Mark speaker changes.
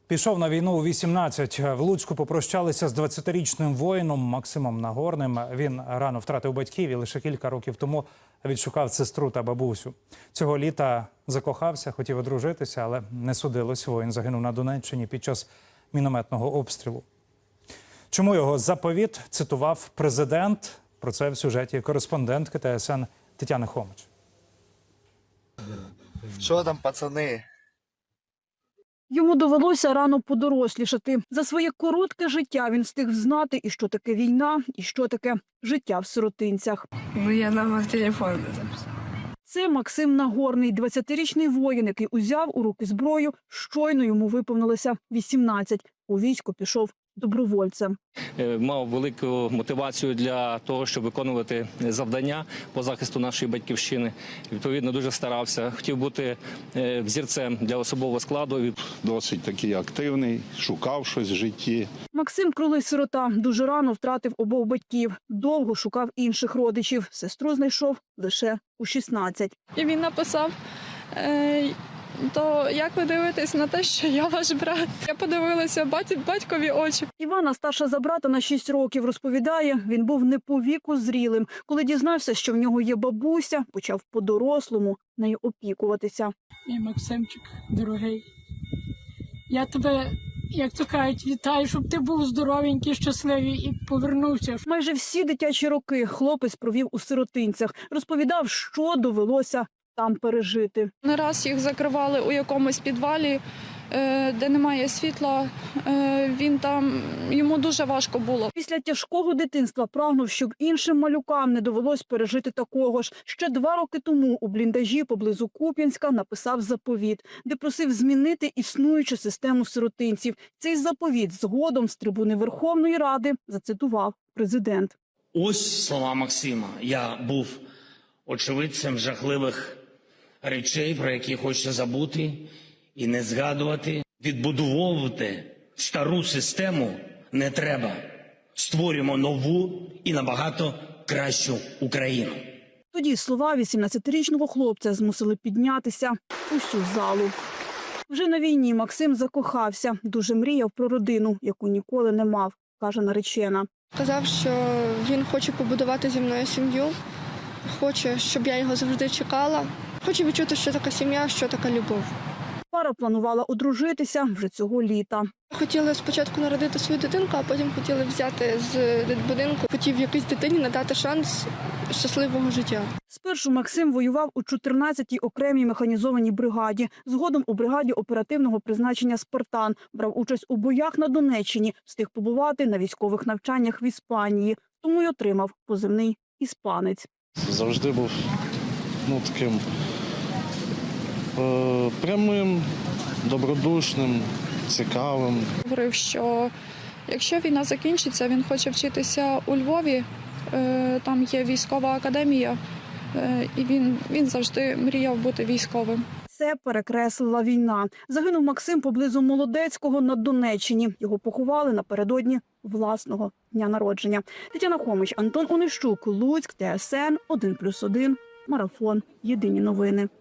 Speaker 1: Пішов на війну у 18. В Луцьку попрощалися з 20-річним воїном Максимом Нагорним. Він рано втратив батьків і лише кілька років тому відшукав сестру та бабусю. Цього літа закохався, хотів одружитися, але не судилось. Воїн загинув на Донеччині під час мінометного обстрілу. Чому його заповіт цитував президент? Про це в сюжеті кореспондентки ТСН Тетяни Хомич.
Speaker 2: Що там, пацани?
Speaker 3: Йому довелося рано подорослішати. За своє коротке життя він встиг знати, і що таке війна, і що таке життя в сиротинцях.
Speaker 4: Я нам телефон записав.
Speaker 3: Це Максим Нагорний, 20-річний воїн, який узяв у руки зброю, щойно йому виповнилося 18. У військо пішов добровольцем.
Speaker 5: Мав велику мотивацію для того, щоб виконувати завдання по захисту нашої батьківщини. Відповідно, дуже старався. Хотів бути взірцем для особового складу.
Speaker 6: Досить такий активний, шукав щось в житті.
Speaker 3: Максим Крулий сирота дуже рано втратив обох батьків. Довго шукав інших родичів. Сестру знайшов лише у 16.
Speaker 4: І він написав, то як ви дивитесь на те, що я ваш брат? Я подивилася батькові очі.
Speaker 3: Івана, старша за брата на 6 років, розповідає, він був не по віку зрілим. Коли дізнався, що в нього є бабуся, почав по-дорослому нею опікуватися.
Speaker 7: Мій Максимчик, дорогий, я тебе, як то кажуть, вітаю, щоб ти був здоровенький, щасливий і повернувся.
Speaker 3: Майже всі дитячі роки хлопець провів у сиротинцях. Розповідав, що довелося там пережити.
Speaker 4: Не раз їх закривали у якомусь підвалі, де немає світла. Він там, йому дуже важко було.
Speaker 3: Після тяжкого дитинства прагнув, щоб іншим малюкам не довелось пережити такого ж. Ще 2 роки тому у бліндажі поблизу Куп'янська написав заповіт, де просив змінити існуючу систему сиротинців. Цей заповіт згодом з трибуни Верховної Ради зацитував президент.
Speaker 8: Ось слова Максима. Я був очевидцем жахливих речей, про які хочеться забути і не згадувати. Відбудовувати стару систему не треба. Створюємо нову і набагато кращу Україну.
Speaker 3: Тоді слова 18-річного хлопця змусили піднятися усю залу. Вже на війні Максим закохався, дуже мріяв про родину, яку ніколи не мав, каже наречена.
Speaker 4: Казав, що він хоче побудувати зі мною сім'ю, хоче, щоб я його завжди чекала. Хоче відчути, що така сім'я, що така любов.
Speaker 3: Пара планувала одружитися вже цього літа.
Speaker 4: Хотіли спочатку народити свою дитинку, а потім хотіли взяти з будинку. Хотів якійсь дитині надати шанс щасливого життя.
Speaker 3: Спершу Максим воював у 14-й окремій механізованій бригаді. Згодом у бригаді оперативного призначення «Спартан». Брав участь у боях на Донеччині, встиг побувати на військових навчаннях в Іспанії. Тому й отримав позивний «Іспанець».
Speaker 9: Завжди був таким прямим, добродушним, цікавим.
Speaker 4: Говорив, що якщо війна закінчиться, він хоче вчитися у Львові, там є військова академія, і він завжди мріяв бути військовим.
Speaker 3: Це перекреслила війна. Загинув Максим поблизу Молодецького на Донеччині. Його поховали напередодні власного дня народження. Тетяна Хомич, Антон Онищук, Луцьк, ТСН 1+1, Марафон. Єдині новини.